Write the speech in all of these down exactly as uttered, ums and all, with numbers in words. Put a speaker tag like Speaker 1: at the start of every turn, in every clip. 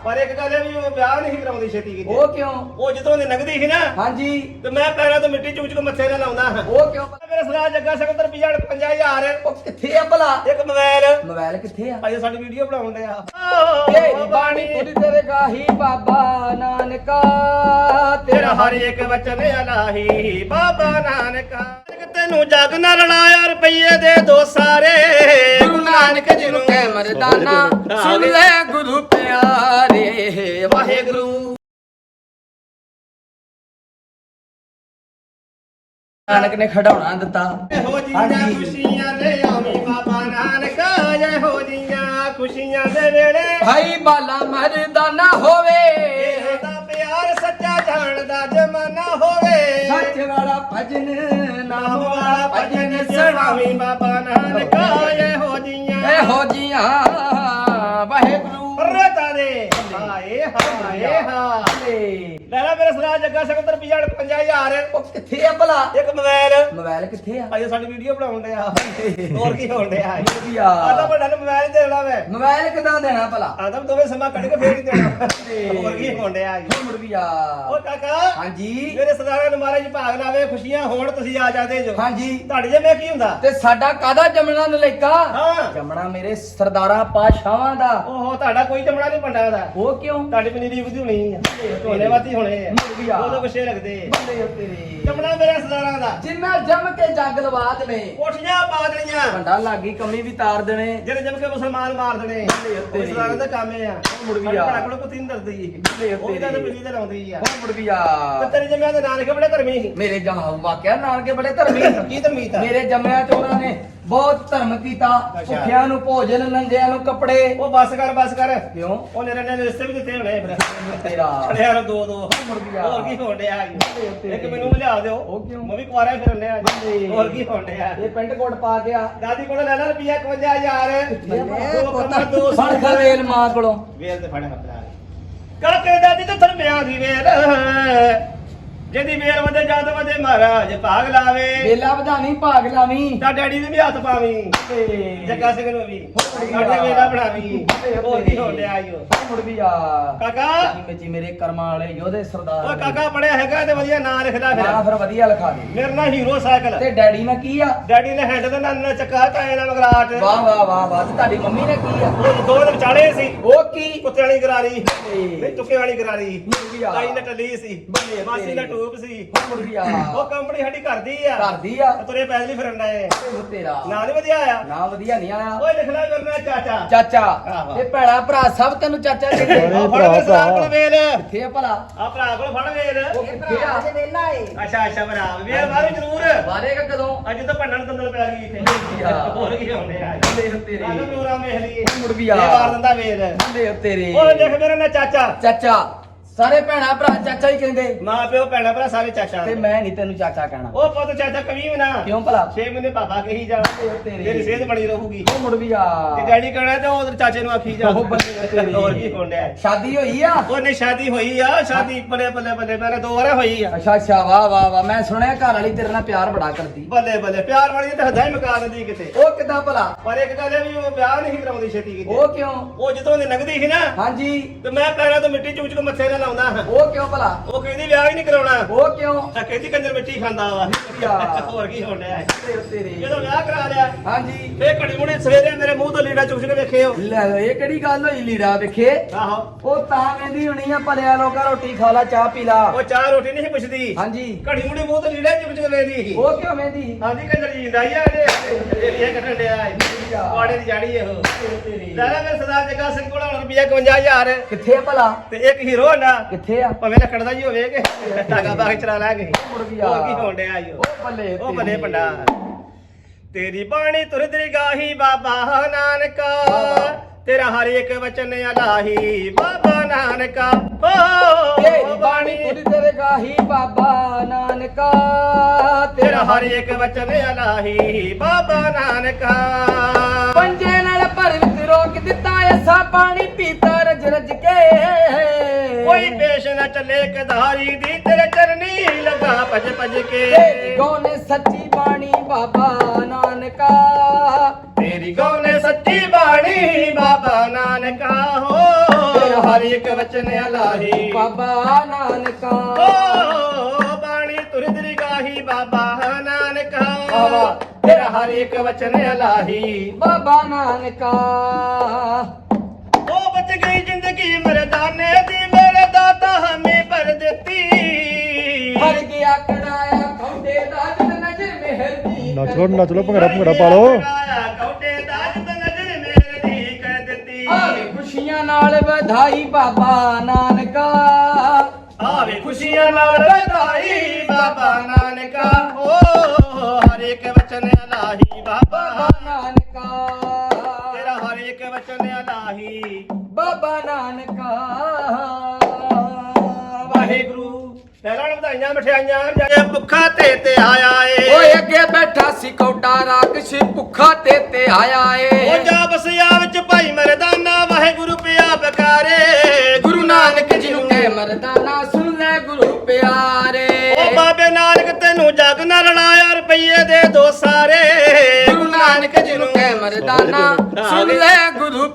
Speaker 1: ਪਰ ਇੱਕ ਗੱਲ ਹੈ ਵੀ ਉਹ ਵਿਆਹ ਨਹੀਂ ਕਰਾਉਂਦੀ ਛੇਤੀ ਕਿਤੇ।
Speaker 2: ਉਹ ਕਿਉਂ?
Speaker 1: ਉਹ ਜਦੋਂ ਦੀ ਨਗਦੀ ਸੀ ਨਾ
Speaker 2: ਹਾਂਜੀ
Speaker 1: ਤੇ ਮੈਂ ਪੈਰਾਂ ਤੋਂ ਮਿੱਟੀ ਚੂਚ ਕੇ ਮੱਥੇ ਨਾਲ ਲਾਉਂਦਾ ਹਾਂ।
Speaker 2: ਉਹ ਕਿਉਂ?
Speaker 1: ਮੇਰਾ ਸਰਾਜ ਜੱਗਾ ਸਕੰਦਰ ਰੁਪਈਆ ਪੰਜਾਹ ਹਜ਼ਾਰ
Speaker 2: ਉਹ ਕਿੱਥੇ ਆ ਭਲਾ?
Speaker 1: ਇੱਕ ਮੋਬਾਈਲ
Speaker 2: ਮੋਬਾਈਲ ਕਿੱਥੇ ਆ?
Speaker 1: ਅਜੇ ਸਾਡੀ ਵੀਡੀਓ ਬਣਾਉਣ ਡਿਆ
Speaker 2: ਤੇਰੀ ਬਾਣੀ ਤੁਰੀ ਤੇਰੇ ਗਾਹੀ ਬਾਬਾ ਨਾਨਕਾ
Speaker 1: ਤੇਰਾ ਹਰ ਇੱਕ ਵਚਨ ਅਲਾਹੀ ਬਾਬਾ ਨਾਨਕਾ ਤੈਨੂੰ ਜਗ ਨਾਲ ਰਲਾਇਆ ਰੁਪਈਏ ਦੇ ਦੋ ਸਾਰੇ
Speaker 2: ਗੁਰੂ ਨਾਨਕ ਜੀ ਨੂੰ ਕਹਿ ਮਰਦਾਨਾ ਸੁਣ ਲੈ ਗੁਰੂ ਪਿਆਰੇ ਵਾਹਿਗੁਰੂ। ਨਾਨਕ ਨੇ ਖੜਾਉਣਾ ਦਿੱਤਾ।
Speaker 1: ਇਹੋ ਜੀਆਂ ਖੁਸ਼ੀਆਂ ਲੈ ਆਵੀਂ ਬਾਬਾ ਨਾਨਕਾ ਇਹੋ ਜੀਆਂ ਖੁਸ਼ੀਆਂ ਦੇ ਵੇਲੇ
Speaker 2: ਭਾਈ ਬਾਲਾ ਮਰਦਾਨਾ ਹੋਵੇ
Speaker 1: ਇਹਦਾ ਪਿਆਰ ਸੱਚਾ ਜਾਣਦਾ ਜਮਾਨਾ ਹੋਵੇ
Speaker 2: ਸੱਚ ਵਾਲਾ ਭਜਨ ਨਾਮ ਵਾਲਾ ਭਜਨ
Speaker 1: ਸੁਣਾਵੀਂ ਬਾਬਾ ਨਾਨਕਾ ਇਹੋ ਜੀਆਂ
Speaker 2: ਇਹੋ ਜੀਆਂ ਵਾਹਿਗੁਰੂ
Speaker 1: ਰਤਾ ਦੇ ਹਾਏ ਹਾਏ ਹਾਏ ਲੈ ਲੈ ਮੇਰਾ ਸਰਾਜ ਜੱਗਾ ਸਕੰਦਰ ਰੁਪਈਆ ਪੰਜਾਹ ਹਜ਼ਾਰ
Speaker 2: ਉਹ ਕਿੱਥੇ ਆ ਭਲਾ?
Speaker 1: ਇੱਕ ਮੋਬਾਈਲ
Speaker 2: ਮੋਬਾਈਲ ਕਿੱਥੇ ਆ?
Speaker 1: ਅਜੇ ਸਾਡੀ ਵੀਡੀਓ ਬਣਾਉਣ ਡਿਆ ਹੋਰ ਕੀ ਹੋਣ ਡਿਆ
Speaker 2: ਵਧੀਆ।
Speaker 1: ਆਦਾ ਵੱਡਾ ਨੂੰ ਮੋਬਾਈਲ ਦੇਣਾ ਵੇ
Speaker 2: ਮੋਬਾਈਲ ਕਿਦਾਂ ਦੇਣਾ ਭਲਾ?
Speaker 1: ਆਦਾ ਦੋਵੇਂ ਸਮਾਂ ਕੱਢ ਕੇ ਫੇਰ ਹੀ ਦੇਣਾ ਹੋਰ ਕੀ ਹੋਣ ਡਿਆ
Speaker 2: ਮੁੜ ਵੀ ਆ।
Speaker 1: ਓ ਕਾਕਾ
Speaker 2: ਹਾਂਜੀ
Speaker 1: ਮੇਰੇ ਸਰਦਾਰਾਂ ਨੂੰ ਮਹਾਰਾਜ ਭਾਗ ਲਾਵੇ ਖੁਸ਼ੀਆਂ ਹੋਣ ਤੁਸੀਂ ਆ ਜਾਂਦੇ ਜੋ
Speaker 2: ਹਾਂਜੀ
Speaker 1: ਤੁਹਾਡੇ ਜੇ ਮੈਂ ਕੀ ਹੁੰਦਾ
Speaker 2: ਤੇ ਸਾਡਾ ਕਾਦਾ ਜਮਣਾ ਨਲੇਕਾ?
Speaker 1: ਹਾਂ
Speaker 2: ਜਮਣਾ ਮੇਰੇ ਸਰਦਾਰਾਂ ਪਾਸ਼ਾਵਾਂ ਦਾ।
Speaker 1: ਓਹੋ ਤੁਹਾਡਾ ਕੋਈ ਜਮਣਾ ਨਹੀਂ ਪੰਡਾ ਉਹਦਾ
Speaker 2: ਉਹ ਕਿਉਂ?
Speaker 1: ਤੁਹਾਡੀ ਪਨੀਰੀ ਵਧੀ ਹੋਣੀ ਆ ਢੋਲੇ ਵਾਤੀ ਹੋਣੇ ਆ
Speaker 2: ਮੁੜ ਆ।
Speaker 1: ਉਦੋਂ ਕੁਛੇ ਲੱਗਦੇ
Speaker 2: ਬੱਲੇ ਓ ਤੇਰੇ
Speaker 1: ਜਮਣਾ ਮੇਰੇ ਸਰਦਾਰਾਂ ਦਾ
Speaker 2: ਜਿੰਨਾ ਜਮ ਕੇ ਜੱਗ ਲਵਾ ਦੇਣੇ
Speaker 1: ਕੋਠੀਆਂ ਪਾ ਦੇਣੀਆਂ
Speaker 2: ਭੰਡਾ ਲਾਗੀ ਕਮੀ ਵੀ ਤਾਰ ਦੇਣੇ
Speaker 1: ਜਿਹੜੇ ਜਮ ਕੇ ਮੁਸਲਮਾਨ ਮਾਰ ਦੇਣੇ ਉਹ ਸਰਦਾਰਾਂ ਦਾ ਕੰਮ ਆ
Speaker 2: ਮੁੜ ਵੀ ਆ।
Speaker 1: ਬੜਾ ਕੋਲ ਕੁੱਤੀ ਨਹੀਂ ਡਰਦੀ ਉਹ ਤਾਂ ਪਨੀਰੀ ਤੇ ਲਾਉਂਦੀ ਆ
Speaker 2: ਮੁੜ ਵੀ ਆ।
Speaker 1: ਤੇ ਤੇਰੇ ਜਮਿਆਂ ਦੇ ਨਾਨਕੇ ਬੜੇ ਧਰਮੀ ਸੀ
Speaker 2: ਮੇਰੇ ਜਮਾ ਵਾਕਿਆ ਨਾਨਕੇ ਬੜੇ ਧਰਮੀ।
Speaker 1: ਕੀ ਧਰਮੀ ਤਾ
Speaker 2: ਮੇਰੇ ਜੰਮਿਆਂ ਚ ਉਹਨਾਂ ਨੇ ਬਹੁਤ ਧਰਮ ਕੀਤਾ। ਭੁੱਖਿਆਂ ਨੂੰ ਭੋਜਨ, ਨੰਗਿਆਂ ਨੂੰ ਕੱਪੜੇ।
Speaker 1: ਉਹ ਬਸ ਕਰ ਬਸ ਕਰ
Speaker 2: ਕਿਉਂ?
Speaker 1: ਉਹ ਨਿਰਣੇ ਦੇ ਰਿਸ਼ਤੇ ਵੀ ਦਿੱਤੇ ਹੋਣੇ ਫਿਰ
Speaker 2: ਤੇਰਾ
Speaker 1: ਛੜਿਆ ਨੂੰ ਦੋ ਦੋ
Speaker 2: ਮੁੜ ਗਿਆ।
Speaker 1: ਹੋਰ ਕੀ ਹੋਣ ਡਿਆ ਇੱਕ ਮੈਨੂੰ ਲਿਆ ਦਿਓ
Speaker 2: ਉਹ ਕਿਉਂ?
Speaker 1: ਮੈਂ ਵੀ ਕੁਆਰਾ ਫਿਰਨ ਡਿਆ ਹੋਰ ਕੀ ਹੋਣ ਡਿਆ
Speaker 2: ਇਹ ਪੈਂਟ ਕੋਟ ਪਾ ਗਿਆ।
Speaker 1: ਦਾਦੀ ਕੋਲ ਲੈ ਲੈ ਰੁਪਿਆ ਇਕਵੰਜਾ ਹਜ਼ਾਰ ਦੋ ਕਮਰ ਦੋ
Speaker 2: ਫੜ ਖਰੇਲ ਮਾਂ ਕੋਲੋਂ।
Speaker 1: ਵੇਲ ਤੇ ਫੜਿਆ ਆਪਣਾ ਕਾਕੇ ਦਾਦੀ ਤੇ ਧਰਮਿਆਂ ਦੀ ਵੇਲ ਜਿਹਦੀ ਵੇਲ ਵਧੇ ਜਦ ਵਧੇ ਮਹਾਰਾਜ ਭਾਗ ਲਾਵੇ
Speaker 2: ਵੇਲਾ ਵਧਾਵੀਂ ਭਾਗ ਲਾਵੀਂ
Speaker 1: ਤਾਂ ਡੈਡੀ ਦੇ ਵੀ ਹੱਥ ਪਾਵੀਂ ਜੱਗਾ ਸਿੰਘ ਨੂੰ ਵੀ ਸਾਡੇ ਵੇਲਾ ਬਣਾਵੀਂ ਹੋਰ ਕੀ ਹੋਣ ਡਿਆ ਆਇਓ
Speaker 2: ਮੁੜ ਵੀ ਆ।
Speaker 1: ਕਾਕਾ
Speaker 2: ਮੇਚੀ ਮੇਰੇ ਕਰਮਾਂ ਵਾਲੇ ਯੋਧੇ ਸਰਦਾਰ।
Speaker 1: ਓ ਕਾਕਾ ਪੜਿਆ ਹੈਗਾ ਤੇ ਵਧੀਆ ਨਾਂ ਲਿਖਦਾ ਫਿਰ
Speaker 2: ਹਾਂ ਫਿਰ ਵਧੀਆ ਲਿਖਾ ਦੇ।
Speaker 1: ਮੇਰਾ ਨਾਂ ਹੀਰੋ ਸਾਈਕਲ
Speaker 2: ਤੇ ਡੈਡੀ ਨੇ ਕੀ ਆ?
Speaker 1: ਡੈਡੀ ਨੇ ਹੈਂਡ ਦਾ ਨਾਂ ਚੱਕਾ ਕਾਏ ਨਾਲ ਮਗਰਾਟ
Speaker 2: ਵਾਹ ਵਾਹ ਵਾਹ ਵਾਹ। ਤੇ ਤੁਹਾਡੀ ਮੰਮੀ ਨੇ ਕੀ ਆ?
Speaker 1: ਉਹ ਦੋ ਦੇ ਵਿਚਾਲੇ ਸੀ
Speaker 2: ਉਹ ਕੀ?
Speaker 1: ਕੁੱਤੇ ਵਾਲੀ ਗਰਾਰੀ ਨਹੀਂ ਤੁੱਕੇ ਵਾਲੀ ਗਰਾਰੀ
Speaker 2: ਮੁੜ ਵੀ ਆ।
Speaker 1: ਤਾਈ ਨੇ ਟੱਲੀ ਸੀ
Speaker 2: ਬੱਲੇ
Speaker 1: ਮਾਸੀ ਦਾ ਟੂਬ ਸੀ
Speaker 2: ਮੁੜ ਵੀ ਆ।
Speaker 1: ਉਹ ਕੰਪਨੀ ਸਾਡੀ ਕਰਦੀ ਆ
Speaker 2: ਕਰਦੀ ਆ।
Speaker 1: ਤੁਰੇ ਪੈਦਲ ਹੀ ਫਿਰਨ ਡਏ
Speaker 2: ਉਹ ਤੇਰਾ
Speaker 1: ਨਾਂ ਨੀ ਵਧੀਆ ਆਇਆ
Speaker 2: ਨਾ ਵਧੀਆ ਨਹੀਂ ਆਇਆ।
Speaker 1: ਓਏ ਲਿਖ ਲੈ ਮੇਰੇ ਚਾਚਾ
Speaker 2: ਚਾਚਾ
Speaker 1: ਆਹੋ।
Speaker 2: ਇਹ ਭੈੜਾ ਭਰਾ ਸਭ ਤੈਨੂੰ ਚਾਚਾ ਕਹਿੰਦੇ।
Speaker 1: ਆ ਫੜ ਕੇ ਸਰਦਾਰ ਕੋਲ ਵੇਲ
Speaker 2: ਕਿੱਥੇ ਆ ਭਲਾ?
Speaker 1: ਆ ਭਰਾ ਕੋਲ ਫੜ ਵੇਲ
Speaker 2: ਉਹ ਕਿੱਥੇ ਆ?
Speaker 1: ਅੱਛਾ ਅੱਛਾ ਭਰਾ ਵੇਲ ਬਾਹਰੋਂ ਜ਼ਰੂਰ
Speaker 2: ਮਾਰੇਗਾ ਕਦੋਂ?
Speaker 1: ਅੱਜ ਤਾਂ ਭੰਡਣ ਦੰਦਲ ਪੈ ਗਈ ਇੱਥੇ
Speaker 2: ਵਧੀਆ।
Speaker 1: ਹੋਰ ਕੀ ਹੁੰਦੇ ਆ
Speaker 2: ਬੱਲੇ ਓ ਤੇਰੇ
Speaker 1: ਆਹ ਪ੍ਰੋਗਰਾਮ ਵੇਖ ਲਈਏ
Speaker 2: ਮੁੜ ਵੀ ਆ।
Speaker 1: ਇਹ ਵਾਰ ਦਿੰਦਾ ਵੇਲ
Speaker 2: ਬੱਲੇ ਓ ਤੇਰੇ
Speaker 1: ਓਏ ਦੇਖ ਮੇਰੇ ਨਾਲ ਚਾਚਾ
Speaker 2: ਚਾਚਾ ਸਾਰੇ ਭੈਣਾ ਭਰਾ ਚਾਚਾ ਹੀ ਕਹਿੰਦੇ
Speaker 1: ਮਾਂ ਪਿਓ ਭੈਣਾ ਭਰਾ ਸਾਰੇ ਚਾਚਾ
Speaker 2: ਤੇ ਮੈਂ ਨਹੀਂ ਤੈਨੂੰ ਚਾਚਾ ਕਹਿਣਾ।
Speaker 1: ਉਹ ਪੁੱਤ ਚਾਚਾ ਕਵੀ ਵੀ ਨਾ
Speaker 2: ਕਿਉਂ ਭਲਾ?
Speaker 1: ਛੇ ਮਹੀਨੇ ਪਾਪਾ ਕਹੀ ਜਾ
Speaker 2: ਤੇਰੇ।
Speaker 1: ਤੇਰੀ ਸਿਹਤ ਬਣੀ ਰਹੂਗੀ
Speaker 2: ਉਹ ਮੁੜ ਵੀ ਆ।
Speaker 1: ਤੇ ਡੈਡੀ ਕਹਿਣਾ ਤੇ ਉਧਰ ਚਾਚੇ ਨੂੰ ਆਖੀ ਜਾ
Speaker 2: ਉਹ ਬੱਲੇ ਤੇਰੇ।
Speaker 1: ਹੋਰ ਕੀ ਹੋਣ ਡਿਆ
Speaker 2: ਸ਼ਾਦੀ ਹੋਈ ਆ?
Speaker 1: ਉਹਨੇ ਸ਼ਾਦੀ ਹੋਈ ਆ ਸ਼ਾਦੀ ਬੱਲੇ ਬੱਲੇ ਬੱਲੇ ਮੇਰੇ ਦੋ ਵਾਰ ਹੋਈ ਆ
Speaker 2: ਅੱਛਾ ਅੱਛਾ ਵਾਹ ਵਾਹ ਵਾਹ। ਮੈਂ ਸੁਣਿਆ ਘਰ ਵਾਲੀ ਤੇਰੇ ਨਾਲ ਪਿਆਰ ਬੜਾ ਕਰਦੀ।
Speaker 1: ਬੱਲੇ ਬੱਲੇ ਪਿਆਰ ਵਾਲੀ ਤੇ ਹਦਾਈ ਮਕਾ ਦਿੰਦੀ ਕਿਤੇ
Speaker 2: ਉਹ ਕਿਦਾਂ ਭਲਾ?
Speaker 1: ਪਰ ਇੱਕ ਗੱਲ ਹੈ ਵੀ ਉਹ ਵਿਆਹ ਨਹੀਂ ਕਰਾਉਂਦੀ ਛੇਤੀ ਕਿਤੇ
Speaker 2: ਉਹ ਕਿਉਂ?
Speaker 1: ਉਹ ਜਦੋਂ ਦੀ ਨਗਦੀ ਸੀ ਨਾ
Speaker 2: ਹਾਂਜੀ
Speaker 1: ਤੇ ਮੈਂ ਪੈਰਾਂ ਤੋਂ ਮਿੱਟੀ ਚੂਚ ਕੇ ਮੱਥੇ ਨਾਲ ਲਾਉਂਦਾ ਹਾਂ
Speaker 2: ਉਹ ਕਿਉਂ ਭਲਾ?
Speaker 1: ਉਹ ਕਹਿੰਦੀ ਵਿਆਹ ਹੀ ਨਹੀਂ ਕਰਾਉਣਾ
Speaker 2: ਉਹ ਕਿਉਂ?
Speaker 1: ਤਾਂ ਕਹਿੰਦੀ ਕੰਜਰ ਮਿੱਟੀ ਖਾਂਦਾ ਵਾ ਹੋਰ ਕੀ ਹੋਣ ਡਿਆ
Speaker 2: ਬੱਲੇ ਓ ਤੇਰੇ।
Speaker 1: ਜਦੋਂ ਵਿਆਹ ਕਰਾ ਲਿਆ
Speaker 2: ਹਾਂਜੀ
Speaker 1: ਫੇਰ ਘੜੀ ਮੁੜੀ ਸਵੇਰੇ ਮੇਰੇ ਮੂੰਹ ਤੋਂ ਲੀੜਾ ਚੁੱਕ ਕੇ ਵੇਖਿਓ
Speaker 2: ਲੈ ਲਓ, ਇਹ ਕਿਹੜੀ ਗੱਲ ਹੋਈ ਲੀੜਾ ਵੇਖੇ?
Speaker 1: ਆਹੋ
Speaker 2: ਉਹ ਤਾਂ ਕਹਿੰਦੀ ਹੋਣੀ ਆ ਭਲਿਆ ਲੋਕਾਂ ਰੋਟੀ ਖਾ ਲਾ ਚਾਹ ਪੀ ਲਾ।
Speaker 1: ਉਹ ਚਾਹ ਰੋਟੀ ਨਹੀਂ ਸੀ ਪੁੱਛਦੀ
Speaker 2: ਹਾਂਜੀ
Speaker 1: ਘੜੀ ਮੁੜੀ ਮੂੰਹ ਤੋਂ ਲੀੜਾ ਚੁੱਕ ਚੁੱਕ ਵੇਖਦੀ ਸੀ
Speaker 2: ਉਹ ਕਿਉਂ ਵੇਂਦੀ?
Speaker 1: ਆਂਦੀ ਕੰਜਰ ਜੀਂਦਾ ਹੀ ਆ ਇਹ ਇਹ ਕੱਟਣ ਡਿਆ ਪਾੜੇ ਦੀ ਜਾੜੀ ਇਹੋ ਲੈ ਲੈ ਮੇਰੇ ਸਰਦਾਰ ਜੱਗਾ ਸਿੰਘ ਕੋਲ ਹੁਣ ਰੁਪਿਆ ਇਕਵੰਜਾ ਹਜ਼ਾਰ
Speaker 2: ਕਿੱਥੇ ਆ ਭਲਾ?
Speaker 1: ਤੇ ਇੱਕ ਹੀਰੋ ਹੁੰਦਾ
Speaker 2: ਕਿੱਥੇ ਆ?
Speaker 1: ਭਾਵੇਂ ਲੱਕੜ ਦਾ ਹੀ ਹੋਵੇ ਕਿ ਟਾਗਾ ਪਾ ਕੇ ਚਲਾ ਲਾਂਗੇ
Speaker 2: ਮੁੜ ਵੀ ਆ।
Speaker 1: ਹੋਰ ਕੀ ਹੋਣ ਡਿਆ ਈ ਓ।
Speaker 2: ਉਹ ਬੱਲੇ
Speaker 1: ਉਹ ਬੱਲੇ ਪੰਡਾ ਤੇਰੀ ਬਾਣੀ ਤੁਰਦਰੀ ਗਾਹੀ ਬਾਬਾ ਨਾਨਕਾ ਤੇਰਾ ਹਰ ਇੱਕ ਵਚਨ ਅਲਾਹੀ ਬਾਬਾ ਨਾਨਕਾ
Speaker 2: ਤੇਰੀ
Speaker 1: ਓ
Speaker 2: ਬਾਣੀ ਤੁਰੀ ਤੇਰੇ ਗਾਹੀ ਬਾਬਾ ਨਾਨਕਾ
Speaker 1: ਤੇਰਾ ਹਰ ਇੱਕ ਵਚਨ ਅਲਾਹੀ ਬਾਬਾ ਨਾਨਕਾ
Speaker 2: ਪੰਜੇ ਨਾਲ ਭਰ ਵਿੱਚ ਰੋਕ ਦਿੱਤਾ ਐਸਾ ਪਾਣੀ ਪੀਤਾ ਰਜ ਰਜ ਕੇ
Speaker 1: ਕੋਈ ਪੇਸ਼ ਨਾ ਚੱਲੇ ਕਧਾਰੀ ਦੀ ਤੇਰੇ ਚਰਨੀ ਲਗਾ ਭਜ ਭਜ ਕੇ
Speaker 2: ਤੇਰੀ ਗੋ ਨੇ ਸੱਚੀ ਬਾਣੀ ਬਾਬਾ ਨਾਨਕਾ
Speaker 1: ਤੇਰੀ ਗੋ ਨੇ ਸੱਚੀ ਬਾਣੀ ਬਾਬਾ ਨਾਨਕਾ ਹੋ
Speaker 2: ਤੇਰਾ
Speaker 1: ਹਰ ਇੱਕ ਵਚਨ ਅਲਾਹੀ
Speaker 2: ਬਾਬਾ ਨਾਨਕਾ
Speaker 1: ਓ ਬਾਣੀ ਤੁਰ ਦਰਗਾਹੀ ਬਾਬਾ ਨਾਨਕਾ
Speaker 2: ਵਾਹ।
Speaker 1: ਤੇਰਾ ਹਰ ਇੱਕ ਵਚਨ ਅਲਾਹੀ
Speaker 2: ਬਾਬਾ ਨਾਨਕਾ
Speaker 1: ਉਹ ਬਚ ਗਈ ਜ਼ਿੰਦਗੀ ਮਰਦਾਨੇ ਦੀ ਮੇਰੇ ਦਾਤਾ ਹਮੇ ਭਰ ਦਿੱਤੀ
Speaker 2: ਹਰ ਗਿਆ ਕੜਾਇਆ ਖੌਡੇ ਦਾ ਜਦ ਨਜ਼ਰ ਮਿਹਰ ਦੀ
Speaker 3: ਨੱਚ ਲੋ ਨੱਚ ਲੋ ਭੰਗੜਾ ਭੰਗੜਾ ਪਾ ਲੋ
Speaker 1: ਕੌਟੇ ਦਾ ਜਦ ਨਜ਼ਰ ਮੇਰੇ ਦੀ ਕਰ ਦਿੱਤੀ
Speaker 2: ਆਵੇ ਖੁਸ਼ੀਆਂ ਨਾਲ ਵਧਾਈ ਬਾਬਾ ਨਾਨਕਾ
Speaker 1: ਆਵੇ ਖੁਸ਼ੀਆਂ ਨਾਲ ਵਧਾਈ ਬਾਬਾ ਨਾਨਕਾ ਓ ਹਰ ਇੱਕ ਵਚਨ ਅਲਾਹੀ ਬਾਬਾ
Speaker 2: ਬਾਬਾ ਨਾਨਕਾ
Speaker 1: ਤੇਰਾ ਹਰ ਇੱਕ ਵਚਨ ਅਲਾਹੀ
Speaker 2: ਬਾਬਾ ਨਾਨਕਾ
Speaker 1: ਵਾਹਿਗੁਰੂ ਤੇਰਾ ਵਧਾਈਆਂ ਮਠਿਆਈਆਂ ਜੇ ਭੁੱਖਾ ਤੇ ਤੇ ਆਇਆ ਏ
Speaker 2: ਓਏ ਅੱਗੇ ਬੈਠਾ ਸੀ ਕੌਡਾ ਰਾਕਸ਼ ਭੁੱਖਾ ਤੇ ਤੇ ਆਇਆ
Speaker 1: ਉਹ
Speaker 2: ਏ
Speaker 1: ਜਾ ਬਸਿਆ ਵਿੱਚ ਭਾਈ ਮਰਦਾਨਾ ਵਾਹਿਗੁਰੂ ਪਿਆ ਬਕਾਰੇ
Speaker 2: ਗੁਰੂ ਨਾਨਕ ਜੀ ਨੂੰ ਕਹਿ ਮਰਦਾਨਾ ਸੁਣ ਲੈ ਗੁਰੂ ਪਿਆਰੇ
Speaker 1: ਉਹ ਬਾਬੇ ਨਾਨਕ ਤੈਨੂੰ ਜਗ ਨਾ ਲੜਾਇਆ ਰੁਪਈਏ ਦੇ ਦੋ ਸਾਰੇ
Speaker 2: ਗੁਰੂ ਨਾਨਕ ਜੀ ਨੂੰ ਕਹਿ ਮਰਦਾਨਾ ਸੁਣ ਲੈ ਗੁਰੂ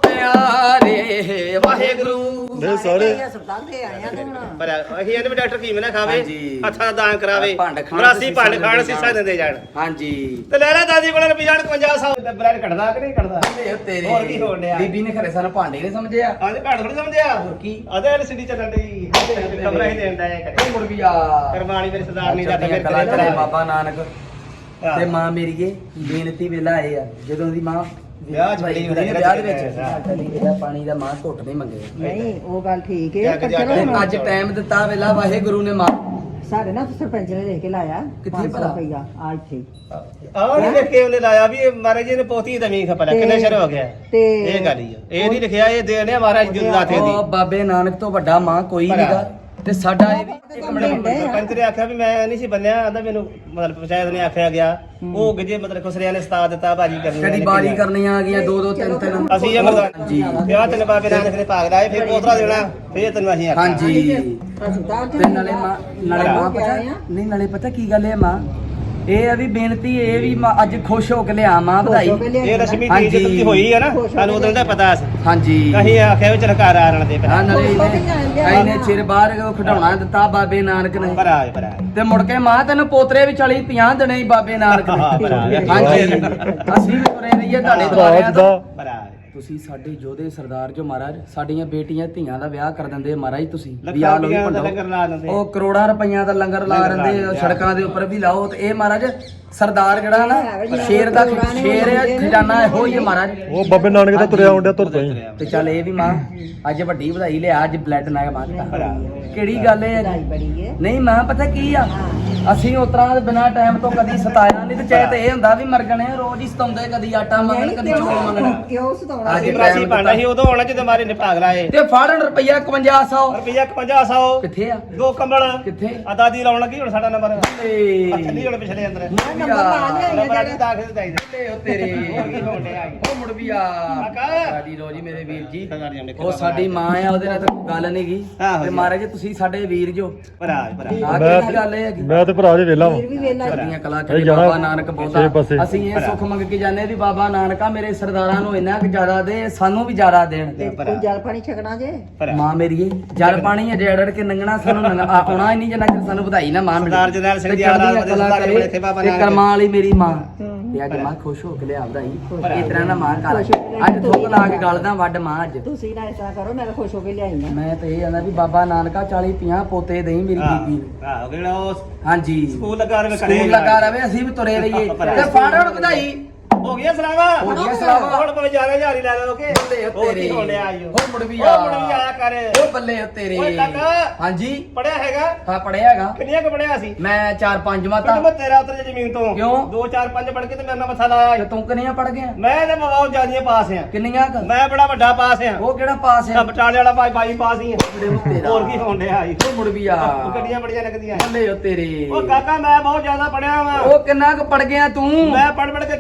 Speaker 2: ਪਿਆਰੇ ਵਾਹਿਗੁਰੂ
Speaker 3: ਨੇ ਸਾਰੇ
Speaker 4: ਹਸਪਤਾਲ ਤੇ ਆਇਆ ਤੇ ਹੁਣ
Speaker 1: ਪਰ ਅਸੀਂ ਇਹਦੇ ਵੀ ਡਾਕਟਰ ਕੀ ਨਾ ਖਾਵੇ
Speaker 2: ਹਾਂਜੀ।
Speaker 1: ਹੱਥਾਂ ਦਾ ਦਾਨ ਕਰਾਵੇ
Speaker 2: ਭੰਡ ਖਾਣ
Speaker 1: ਮਰਾਸੀ
Speaker 2: ਤੇ
Speaker 1: ਭੰਡ
Speaker 2: ਸੀਸਾਂ
Speaker 1: ਖਾਣ
Speaker 2: ਦਿੰਦੇ
Speaker 1: ਸੀਸਾ ਦਿੰਦੇ ਜਾਣ
Speaker 2: ਹਾਂਜੀ
Speaker 1: ਤੇ ਲੈ ਲੈ ਦਾਦੀ ਕੋਲ ਰੁਪਈਆ ਇਕਵੰਜਾ ਸੌ ਦਾ ਬਲੱਡ ਕੱਢਦਾ ਕਿ ਨਹੀਂ ਕੱਢਦਾ
Speaker 2: ਇਹ ਤੇਰੇ
Speaker 1: ਹੋਰ ਕੀ ਹੋਣ ਡਿਆ?
Speaker 2: ਬੀਬੀ ਨੇ ਖਰੇ ਸਾਨੂੰ ਭਾਂਡੇ ਨਹੀਂ ਸਮਝਿਆ
Speaker 1: ਆਂਦੇ ਭੈਣ ਥੋੜੀ ਸਮਝਿਆ
Speaker 2: ਹੋਰ ਕੀ?
Speaker 1: ਅਦੇ ਐਲ ਸੀ ਡੀ ਚੱਲਣ ਡਈ ਕਮਰਾ ਹੀ ਦੇਣ ਦਾ ਹੈ ਕਦੇ
Speaker 2: ਮੁੜ ਵੀ ਆ
Speaker 1: ਕਰਮਾਣੀ ਮੇਰੇ ਸਰਦਾਰਨੀ ਦਾ ਤੇ
Speaker 2: ਚੜ੍ਹਦੀਆਂ ਕਲਾ
Speaker 1: ਮੇਰੇ
Speaker 2: ਕਰੇ
Speaker 1: ਤੇਰੇ
Speaker 2: ਬਾਬਾ ਨਾਨਕ
Speaker 1: ਹਾਂ।
Speaker 2: ਤੇ ਮਾਂ ਮੇਰੀਏ ਬੇਨਤੀ ਵੇਲਾ ਆਏ ਆ ਜਦੋਂ ਦੀ ਮਾਂ
Speaker 1: ਵਿਆਹ ਚ ਬੜੀ
Speaker 2: ਹੁੰਦੀ ਨਾ ਵਿਆਹ ਦੇ ਵਿੱਚ
Speaker 1: ਹਾਂ।
Speaker 2: ਚਲੀ ਇਹਦਾ ਪਾਣੀ ਦਾ ਮਾਂ ਘੁੱਟ ਨਹੀਂ ਮੰਗੇ
Speaker 4: ਨਹੀਂ ਉਹ ਗੱਲ ਠੀਕ ਹੈ
Speaker 1: ਜਾ ਕੇ
Speaker 4: ਪਰ
Speaker 1: ਜਾ ਕੇ
Speaker 4: ਚਲੋ ਹੁਣ
Speaker 2: ਅੱਜ ਟਾਈਮ ਦਿੱਤਾ ਵੇਲਾ ਵਾਹਿਗੁਰੂ ਨੇ ਮਾਂ
Speaker 4: ਸਾਡੇ ਨਾਲ ਸਰਪੰਚ ਨੇ ਦੇਖ ਕੇ ਲਾਇਆ
Speaker 2: ਕਿੱਥੇ
Speaker 4: ਪੰਜ ਸੌ
Speaker 2: ਭਲਾ?
Speaker 4: ਰੁਪਈਆ ਆ ਇੱਥੇ
Speaker 1: ਆਹ ਨਹੀਂ ਲਿਖੇ ਉਹਨੇ ਲਾਇਆ ਵੀ ਇਹ ਮਹਾਰਾਜ ਜੀ ਨੇ ਪੋਤੀ ਦਮੀ ਖਪਲਾ ਕਿੰਨੇ ਚਿਰ ਹੋ ਗਿਆ
Speaker 4: ਤੇ
Speaker 1: ਇਹ ਗੱਲ ਹੀ ਆ ਇਹ ਨਹੀਂ ਲਿਖਿਆ ਇਹ ਦੇਣਿਆ ਮਹਾਰਾਜ ਜੀ ਦਾਤੇ ਦੀ
Speaker 2: ਉਹ ਬਾਬੇ ਨਾਨਕ ਤੋਂ ਵੱਡਾ ਮਾਂ ਕੋਈ
Speaker 1: ਭਲਾ।
Speaker 2: ਨਹੀਂਗਾ ਤੇ ਸਾਡਾ ਇਹ ਵੀ
Speaker 1: ਇੱਕ ਮਿੰਟ ਸਰਪੰਚ ਨੇ ਆਖਿਆ ਵੀ ਮੈਂ ਨਹੀਂ ਸੀ ਬੰਨਿਆ ਆਂਦਾ ਮੈਨੂੰ ਮਤਲਬ ਪੰਚਾਇਤ ਨੇ ਆਖਿਆ ਗਿਆ ਉਹ ਗਿਜੇ ਮਤਲਬ ਖੁਸਰਿਆਂ ਨੇ ਉਸਤਾਦ ਦਿੱਤਾ ਬਾਜੀ ਕਰਨੀ
Speaker 2: ਕਦੀ ਬਾਰੀ ਕਰਨੀਆਂ ਆ ਗਈਆਂ ਦੋ ਦੋ ਤਿੰਨ ਤਿੰਨ
Speaker 1: ਅਸੀਂ ਇਹ ਮਰਦਾ
Speaker 2: ਜੀ
Speaker 1: ਵਿਆਹ ਤੈਨੂੰ ਬਾਬੇ ਨਾਨਕ ਨੇ ਭਾਗ ਲਾਏ ਫਿਰ ਪੋਤਰਾ ਦੇਣਾ ਫਿਰ ਤੈਨੂੰ ਅਸੀਂ ਆਖਿਆ
Speaker 2: ਹਾਂਜੀ
Speaker 4: ਹਸਪਤਾਲ
Speaker 2: ਤੇ ਨਾਲੇ ਮਾਂ ਨਾਲੇ ਮਾਂ ਪਤਾ ਨਹੀਂ ਨਾਲੇ ਪਤਾ ਕੀ ਗੱਲ ਹੈ ਮਾਂ ਇਹ ਆ ਵੀ ਬੇਨਤੀ ਇਹ ਵੀ ਮਾਂ ਅੱਜ ਖੁਸ਼ ਹੋ ਕੇ ਲਿਆ ਮਾਂ ਵਧਾਈ
Speaker 1: ਇਹ ਰਸ਼ਮੀ ਦੀ
Speaker 2: ਹਾਂਜੀ।
Speaker 1: ਇੱਜ਼ਤ ਦੀ ਹੋਈ ਹੈ ਨਾ ਸਾਨੂੰ ਉਦੋਂ ਦਾ ਪਤਾ ਸੀ
Speaker 2: ਹਾਂਜੀ
Speaker 1: ਅਸੀਂ ਆਖਿਆ ਵੀ ਚਲ ਘਰ ਆਣ ਦੇ
Speaker 2: ਹਾਂ ਨਾਲੇ ਇਹਨੇ ਇਹਨੇ ਚਿਰ ਬਾਹਰ ਖਿਡੌਣਾ ਦਿੱਤਾ ਬਾਬੇ ਨਾਨਕ ਨੇ
Speaker 1: ਭਰਾ ਭਰਾ
Speaker 2: ਤੇ ਮੁੜ ਕੇ ਮਾਂ ਤੈਨੂੰ ਪੋਤਰੇ ਵੀ ਚਾਲੀ ਪੰਜਾਹ ਦੇਣੇ ਸੀ ਬਾਬੇ ਨਾਨਕ
Speaker 1: ਹਾਂ,
Speaker 2: ਨੇ
Speaker 1: ਭਰਾ।
Speaker 2: ਹਾਂਜੀ ਅਸੀਂ ਵੀ ਤੁਰੇ ਰਹੀਏ ਤੁਹਾਡੇ
Speaker 3: ਭਰਾ
Speaker 2: ਦੁਆਰਿਆਂ ਤੋਂ
Speaker 3: ਦਾ
Speaker 1: ਭਰਾ
Speaker 2: ਤੁਸੀਂ ਸਾਡੇ ਯੋਧੇ ਸਰਦਾਰ ਜੋ ਮਹਾਰਾਜ ਸਾਡੀਆਂ ਬੇਟੀਆਂ ਧੀਆਂ ਦਾ ਵਿਆਹ ਕਰ ਦਿੰਦੇ ਮਹਾਰਾਜ ਤੁਸੀਂ ਵੀ
Speaker 1: ਲੱਖਾਂ
Speaker 2: ਆਹ ਲਓ ਵੀ
Speaker 1: ਰੁਪਈਆਂ ਦਾ
Speaker 2: ਭੰਡੋ।
Speaker 1: ਲੰਗਰ ਲਾ ਦਿੰਦੇ
Speaker 2: ਉਹ ਕਰੋੜਾਂ ਰੁਪਈਆਂ ਦਾ ਲੰਗਰ ਲਾ
Speaker 1: ਲੰਗਰ ਲਾ
Speaker 2: ਦਿੰਦੇ
Speaker 1: ਦਿੰਦੇ ਆ।
Speaker 2: ਸੜਕਾਂ ਦੇ ਉੱਪਰ ਵੀ ਲਾਓ ਤੇ ਇਹ ਮਹਾਰਾਜ ਸਰਦਾਰ ਜਿਹੜਾ ਨਾ ਸ਼ੇਰ ਦਾ ਸ਼ੇਰ ਹੈ ਖਜ਼ਾਨਾ ਇਹੋ ਹੀ ਹੈ ਮਹਾਰਾਜ
Speaker 3: ਉਹ ਬਾਬੇ ਨਾਨਕ ਦਾ ਤੁਰਿਆ ਆਉਂਦਿਆ ਤੁਰ ਪਈ
Speaker 2: ਤੇ ਚੱਲ ਇਹ ਵੀ ਮਾਂ ਅੱਜ ਵੱਡੀ ਵਧਾਈ ਲਿਆ ਅੱਜ ਬਲੱਡ ਨਾ ਮਾਰਤਾ ਕਿਹੜੀ ਗੱਲ ਹੈ
Speaker 4: ਵਧਾਈ ਬੜੀ ਹੈ
Speaker 2: ਨਹੀਂ ਮਾਂ ਪਤਾ ਕੀ ਆ ਅਸੀਂ ਉਤਰਾਂ ਦੇ ਬਿਨਾ ਟਾਈਮ ਤੋਂ ਕਦੀ ਸਤਾਇਆ ਨਹੀਂ ਤੇ ਚਾਹੇ ਤੇ ਇਹ ਹੁੰਦਾ ਵੀ ਮਰਗਣੇ ਰੋਜ਼ ਹੀ ਸਤਾਉਂਦੇ ਕਦੀ ਆਟਾ ਮੰਗਣ ਕਦੀ ਚੌਲ ਮੰਗਣ
Speaker 4: ਕਿਉਂ ਸਤਾਉਣਾ
Speaker 2: ਅੱਜ
Speaker 1: ਅਸੀਂ ਮਰਾਸੀ ਭਾਂਡਾ ਸੀ ਉਦੋਂ ਆਉਣਾ ਜਦੋਂ ਮਾਰੇ ਨੇ ਭਾਗ ਲਾਏ
Speaker 2: ਤੇ ਫਾੜਨ ਰੁਪਈਆ ਇਕਵੰਜਾ ਸੌ
Speaker 1: ਰੁਪਈਆ ਪੰਜ ਸੌ
Speaker 2: ਕਿੱਥੇ ਆ
Speaker 1: ਦੋ ਕੰਬਲ
Speaker 2: ਕਿੱਥੇ
Speaker 1: ਆ ਦਾਦੀ ਲਾਉਣ ਲੱਗੀ ਹੁਣ ਸਾਡਾ ਨੰਬਰ
Speaker 2: ਏ
Speaker 1: ਥੱਲੀ ਹੁਣ ਪਿਛਲੇ ਅੰਦਰ
Speaker 4: ਨੰਬਰ ਲਾ ਲਿਆ
Speaker 1: ਨੰਬਰ ਅੱਜ ਦਾਖਲ ਚਾਹੀਦਾ
Speaker 2: ਲੈ ਉਹ ਤੇਰੇ
Speaker 1: ਹੋਰ ਕੀ ਹੋਣ ਡਿਆ
Speaker 2: ਉਹ ਮੁੜ ਵੀ ਆ
Speaker 1: ਕਾਕਾ।
Speaker 2: ਸਾਡੀ ਰੋਜੀ ਮੇਰੇ ਵੀਰ ਜੀ
Speaker 1: ਸਰਦਾਰੀਆਂ ਨੇ
Speaker 2: ਉਹ ਸਾਡੀ ਮਾਂ ਆ ਉਹਦੇ ਨਾਲ ਤਾਂ ਕੋਈ ਗੱਲ ਨਹੀਂ ਗੀ
Speaker 1: ਆਹੋ
Speaker 2: ਤੇ
Speaker 1: ਜੀ।
Speaker 2: ਮਹਾਰਾਜ ਤੁਸੀਂ ਸਾਡੇ ਵੀਰ ਜੋ
Speaker 1: ਭਰਾ ਭਰਾ
Speaker 2: ਆਹ ਕਿਹੜੀ ਗੱਲ ਇਹ ਹੈਗੀ
Speaker 3: ਮੈਂ ਤੇ ਭਰਾ ਜੇ ਵੇਲਾ ਵਾਂ
Speaker 4: ਫਿਰ ਵੀ ਵੇਲਾ
Speaker 2: ਸਾਡੀਆਂ ਕਲਾ
Speaker 3: ਇਹ
Speaker 2: ਕਰੀ
Speaker 3: ਜਾਣਾ
Speaker 2: ਬਾਬਾ ਨਾਨਕ
Speaker 3: ਛੇ
Speaker 2: ਬਹੁਤਾ
Speaker 3: ਪਾਸੇ।
Speaker 2: ਅਸੀਂ ਇਹ ਸੁੱਖ ਮੰਗ ਕੇ ਜਾਂਦੇ ਵੀ ਬਾਬਾ ਨਾਨਕਾ ਮੇਰੇ ਸਰਦਾਰਾਂ ਨੂੰ ਇੰਨਾ ਕੁ ਜ਼ਿਆਦਾ ਦੇ ਸਾਨੂੰ ਵੀ ਜ਼ਿਆਦਾ ਦੇਣ
Speaker 4: ਤੇ ਕੋਈ ਜਲ ਪਾਣੀ ਛਕਣਾ ਜੇ
Speaker 1: ਭਰਾ
Speaker 2: ਮਾਂ ਮੇਰੀਏ ਜਲ ਪਾਣੀ ਅਜੇ ਅੜੜ ਕੇ ਨੰਗਣਾ ਸਾਨੂੰ ਨੰਗ- ਆ- ਆਉਣਾ ਹੀ ਨਹੀਂ ਜਿੰਨਾ ਚਿਰ ਸਾਨੂੰ ਵਧਾਈ ਨਾ ਮਾਂ ਮਿਲੇ
Speaker 1: ਸਰਦਾਰ ਜਰਨੈਲ ਸਿੰਘ
Speaker 2: ਤੇ
Speaker 1: ਜੀ ਆਲਾ
Speaker 2: ਚੜ੍ਹਦੀਆਂ
Speaker 1: ਵਧੀਆ
Speaker 2: ਕਲਾ
Speaker 1: ਸਰਦਾਰ
Speaker 2: ਕਰੇ
Speaker 1: ਬੜੇ ਥੇ ਬਾਬਾ
Speaker 2: ਤੇ
Speaker 1: ਨਾਨਕ।
Speaker 2: ਕਰਮਾਂ ਵਾਲੀ ਮੇਰੀ ਮਾਂ ਤੇ ਅੱਜ ਮਾਂ ਖੁਸ਼ ਹੋ ਕੇ ਲਿਆ ਵਧਾਈ ਇਸ ਤਰ੍ਹਾਂ ਨਾ ਮਾਂ ਕਰ ਅੱਜ ਥੁੱਕ ਲਾ ਕੇ ਗਲਦਾ ਵੱਡ ਮਾਂ ਅੱਜ
Speaker 4: ਤੁਸੀਂ ਨਾ ਇਸ ਤਰ੍ਹਾਂ ਕਰੋ ਮੈਂ ਤਾਂ ਖੁਸ਼ ਹੋ ਕੇ ਲਿਆਈ ਆ
Speaker 2: ਮੈਂ ਤੇ ਇਹ ਆਂਦਾ ਵੀ ਬਾਬਾ ਨਾਨਕਾ ਚਾਲੀ ਪੰਜਾਹ ਪੋਤੇ ਦੇਈ ਮੇਰੀ ਬੀਬੀ ਨੂੰ
Speaker 1: ਭਰਾ ਕਿਹੜਾ ਉਹ
Speaker 2: ਹਾਂਜੀ
Speaker 1: ਸਕੂਲ ਲੱਗਾ ਰਵੇ ਕਰੇ
Speaker 2: ਸਕੂਲ ਲੱਗਾ ਰਵੇ ਅਸੀਂ ਵੀ ਤੁਰੇ ਰਹੀਏ ਤੇ ਫਾੜਣ ਵਧਾਈ
Speaker 1: ਹੋ ਗਿਆ ਸਲਾਵਾ
Speaker 2: ਹੋ ਗਿਆ ਸਲਾਵਾ।
Speaker 1: ਹੁਣ ਭਾਵੇਂ ਜਾਣਾ ਹਜ਼ਾਰੀ ਲੈ ਲਓ ਕਿ
Speaker 2: ਬੱਲੇ ਉਹ
Speaker 1: ਹੋਰ
Speaker 2: ਤੇਰੇ
Speaker 1: ਕੀ ਹੋਣ ਡਿਆ ਆਈਓ
Speaker 2: ਉਹ ਮੁੜ ਵੀ
Speaker 1: ਉਹ
Speaker 2: ਆ
Speaker 1: ਮੁੜ ਵੀ ਆਇਆ ਕਰ
Speaker 2: ਉਹ ਬੱਲੇ ਉਹ ਤੇਰੇ
Speaker 1: ਓਏ ਕਾਕਾ
Speaker 2: ਹਾਂਜੀ
Speaker 1: ਪੜਿਆ ਹੈਗਾ
Speaker 2: ਹਾਂ ਪੜਿਆ ਹੈਗਾ
Speaker 1: ਕਿੰਨੀਆਂ ਕੁ ਪੜਿਆ ਸੀ
Speaker 2: ਮੈਂ ਚਾਰ ਪੰਜ ਮਾਤਾ
Speaker 1: ਪਿੰਡ ਮੈਂ ਤੇਰਾ ਉਤਰ ਜੇ ਜ਼ਮੀਨ ਤੋਂ
Speaker 2: ਕਿਉਂ?
Speaker 1: ਦੋ ਚਾਰ ਪੰਜ ਪੜ ਕੇ ਤੇ ਮੇਰੇ ਨਾਲ ਮੱਥਾ ਲਾਇਆ
Speaker 2: ਤੇ ਤੂੰ ਕਿੰਨੀਆਂ ਪੜ ਗਿਆ
Speaker 1: ਮੈਂ ਤੇ ਬਹੁਤ ਜ਼ਿਆਦੀਆਂ ਪਾਸ ਆ
Speaker 2: ਕਿੰਨੀਆਂ ਕੁ?
Speaker 1: ਮੈਂ ਬੜਾ ਵੱਡਾ ਪਾਸ ਆ
Speaker 2: ਉਹ ਕਿਹੜਾ ਪਾਸ
Speaker 1: ਆ
Speaker 2: ਹੈ
Speaker 1: ਬਟਾਲੇ ਵਾਲਾ ਭਾਈ ਬਾਈ ਪਾਸ ਹੀ ਆ
Speaker 2: ਜਿਹੜੇ ਉਹ ਤੇਰਾ
Speaker 1: ਹੋਰ ਕੀ ਹੋਣ ਡਿਆ ਆਈ
Speaker 2: ਉਹ ਮੁੜ ਵੀ ਆ
Speaker 1: ਗੱਡੀਆਂ ਬੜੀਆਂ ਲੱਗਦੀਆਂ
Speaker 2: ਬੱਲੇ ਉਹ ਤੇਰੇ
Speaker 1: ਉਹ ਕਾਕਾ ਮੈਂ ਬਹੁਤ ਜ਼ਿਆਦਾ ਪੜਿਆ ਵਾਂ
Speaker 2: ਉਹ ਕਿੰਨਾ ਕੁ ਪੜ ਗਿਆ ਤੂੰ
Speaker 1: ਮੈਂ ਪੜ ਪੜ ਕੇ ਖੜ ਗਿਆ ਵਾਂ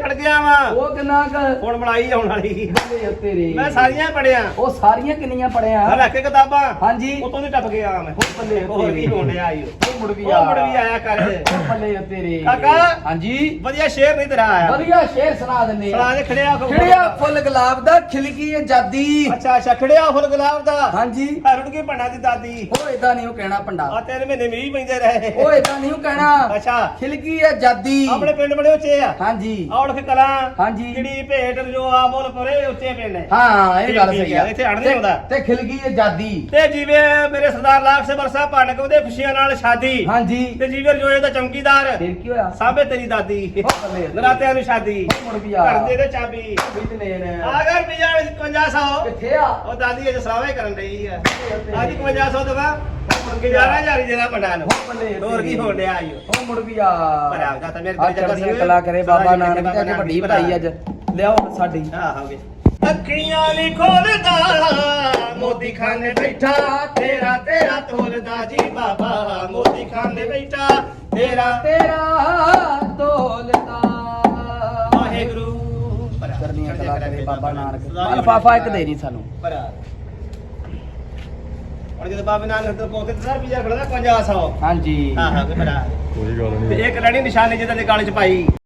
Speaker 1: ਵਾ
Speaker 2: ਉਹ ਕਿੰਨਾ ਕ
Speaker 1: ਹੁਣ ਮਲਾਈ ਆਉਣ ਵਾਲੀ
Speaker 2: ਬੱਲੇ ਓ ਤੇਰੇ
Speaker 1: ਮੈਂ ਸਾਰੀਆਂ ਪੜਿਆ
Speaker 2: ਉਹ ਸਾਰੀਆਂ ਕਿੰਨੀਆਂ ਪੜਿਆ
Speaker 1: ਮੈਂ ਰੱਖ ਕੇ ਕਿਤਾਬਾਂ
Speaker 2: ਹਾਂਜੀ
Speaker 1: ਉਤੋਂ ਦੀ ਟੱਪ ਗਿਆ ਮੈਂ
Speaker 2: ਉਹ ਬੱਲੇ ਓ
Speaker 1: ਹੋਰ ਕੀ
Speaker 2: ਤੇਰੇ
Speaker 1: ਹੋਣ ਡਿਆ ਈ
Speaker 2: ਉਹ ਮੁੜ ਵੀ
Speaker 1: ਉਹ
Speaker 2: ਆ
Speaker 1: ਮੁੜ ਵੀ ਆਇਆ ਕਰ
Speaker 2: ਉਹ ਬੱਲੇ ਓ ਤੇਰੇ
Speaker 1: ਕਾਕਾ।
Speaker 2: ਹਾਂਜੀ
Speaker 1: ਵਧੀਆ ਸ਼ੇਰ ਨਹੀਂ ਤੇਰਾ ਆਇਆ
Speaker 2: ਵਧੀਆ ਸ਼ੇਰ ਸੁਣਾ ਦਿੰਦੇ
Speaker 1: ਸੁਣਾ ਦੇ ਖੜਿਆ ਹੋ-
Speaker 2: ਖਿੜਿਆ ਫੁੱਲ ਗੁਲਾਬ ਦਾ ਖਿਲਕੀ ਆਜ਼ਾਦੀ
Speaker 1: ਅੱਛਾ ਅੱਛਾ ਖੜਿਆ ਫੁੱਲ ਗੁਲਾਬ ਦਾ
Speaker 2: ਹਾਂਜੀ
Speaker 1: ਰੁੜ ਕੇ ਭੰਡਾ ਦੀ ਦਾਦੀ
Speaker 2: ਉਹ ਏਦਾਂ ਨਹੀਂ ਉਹ ਕਹਿਣਾ ਪੰਡਾ
Speaker 1: ਆ ਤਿੰਨ ਮਹੀਨੇ ਮੀਂਹ ਪੈਂਦੇ ਰਹੇ
Speaker 2: ਉਹ ਏਦਾਂ ਨਹੀਂ ਉਹ ਕਹਿਣਾ
Speaker 1: ਅੱਛਾ
Speaker 2: ਖਿਲਕੀ ਆਜ਼ਾਦੀ
Speaker 1: ਆਪਣੇ ਪਿੰਡ ਬੜੇ ਉੱਚੇ ਆ
Speaker 2: ਹਾਂਜੀ
Speaker 1: ਔੜਖ ਕਲਾਂ
Speaker 2: ਹਾਂਜੀ
Speaker 1: ਜਿਹੜੀ ਭੇਟ ਜੋ ਆ ਮੁੱਲ ਪਰੇ ਉੱਚੇ ਪਿੰਡ ਨੇ
Speaker 2: ਹਾਂ ਇਹ ਗੱਲ
Speaker 1: ਠੀਕ
Speaker 2: ਸਹੀ
Speaker 1: ਹੈ,
Speaker 2: ਆ
Speaker 1: ਇੱਥੇ ਅੜ ਨਹੀਂ
Speaker 2: ਤੇ-
Speaker 1: ਆਉਂਦਾ।
Speaker 2: ਤੇ ਖਿਲਕੀ ਆਜ਼ਾਦੀ
Speaker 1: ਤੇ ਜਿਵੇਂ ਮੇਰੇ ਸਰਦਾਰ ਲਾਖ ਸੇ ਬਰਸਾ ਭੰਡ ਕੇ ਉਹਦੇ ਖੁਸ਼ੀਆਂ ਨਾਲ ਸ਼ਾਦੀ
Speaker 2: ਹਾਂਜੀ
Speaker 1: ਤੇ ਜਿਵੇਂ ਰਜੋਏ ਦਾ ਚੌਂਕੀਦਾਰ
Speaker 2: ਫਿਰ ਕੀ ਹੋਇਆ
Speaker 1: ਸਾਬੇ ਤੇਰੀ ਦਾਦੀ
Speaker 2: ਉਹ ਬੱਲੇ ਓ
Speaker 1: ਨਰਾਤਿਆਂ ਨੂੰ ਸ਼ਾਦੀ
Speaker 2: ਉਹ ਮੁੜ ਵੀ ਆ
Speaker 1: ਘਰ ਦੇ ਦੇ ਚਾਬੀ
Speaker 2: ਬਿਜਲੇ ਨੇ
Speaker 1: ਆ ਗਰ ਪੰਜਾਹ ਇਕਵੰਜਾ ਸੌ
Speaker 2: ਕਿੱਥੇ ਆ
Speaker 1: ਉਹ ਦਾਦੀ ਅਜ ਸਲਾਵੇ ਕਰਨ ਰਹੀ ਆ ਅੱਜ ਇਕਵੰਜਾ ਸੌ ਦਵਾ ਗਿਆਰਾਂ ਹਜ਼ਾਰ ਜਿਹੜਾ ਬੰਡਾ ਨੂੰ
Speaker 2: ਉਹ ਬੱਲੇ ਓ
Speaker 1: ਹੋਰ ਕੀ
Speaker 2: ਤੇਰੇ।
Speaker 1: ਹੋਣ ਡਿਆ ਆਇਓ
Speaker 2: ਉਹ ਮੁੜ ਵੀ ਆ
Speaker 1: ਪਰ ਆ ਜਾ ਤਾਂ ਮੇਰੇ
Speaker 2: ਆ
Speaker 1: ਕੋਲ ਚੱਕਰ
Speaker 2: ਚੜ੍ਹਦੀਆਂ
Speaker 1: ਸੀ।
Speaker 2: ਕਲਾ ਕਰੇ ਬਾਬਾ
Speaker 1: ਸਾਰਾ
Speaker 2: ਨਾਨਕ
Speaker 1: ਬਾਬਾ
Speaker 2: ਤੇ ਅੱਗੇ ਵੱਡੀ
Speaker 1: ਨਾਨਕ
Speaker 2: ਵਧਾਈ ਅੱਜ ਲਿਆਓ ਹੁਣ ਸਾਡੀ
Speaker 1: ਹਾਂ ਹੋ ਗਏ ਅੱਖੀਆਂ ਨਹੀਂ ਖੋਲਦਾ ਮੋਦੀ ਖਾਨੇ ਬੈਠਾ ਤੇਰਾ ਤੇਰਾ ਤੋਲਦਾ ਜੀ ਬਾਬਾ ਮੋਦੀ ਖਾਨੇ ਬੈਠਾ ਤੇਰਾ
Speaker 2: ਤੇਰਾ ਤੋਲਦਾ
Speaker 1: ਵਾਹਿਗੁਰੂ
Speaker 2: ਚੜ੍ਹਦੀਆਂ ਕਲਾ ਕਰੇ ਬਾਬਾ ਨਾਨਕ ਲਫਾਫਾ ਇੱਕ ਦੇ ਨਹੀਂ ਸਾਨੂੰ
Speaker 1: ਭਰਾ ਹੁਣ ਜਦੋਂ ਬਾਬਾ ਨਾਨਕ ਤੋਂ ਪੋਕੇ ਤੇ ਸਰ ਪੀਜਾ ਖੜਦਾ ਪੰਜਾਹ ਸੌ
Speaker 2: ਹਾਂਜੀ
Speaker 1: ਹਾਂ ਹਾਂ ਭਰਾ
Speaker 3: ਕੋਈ ਗੱਲ
Speaker 1: ਤੇ
Speaker 3: ਨਹੀਂ
Speaker 1: ਇੱਕ ਲੜੀ ਨਿਸ਼ਾਨੀ ਜਿਹਦਾ ਦੇ ਗਾਲੇ ਚ ਪਾਈ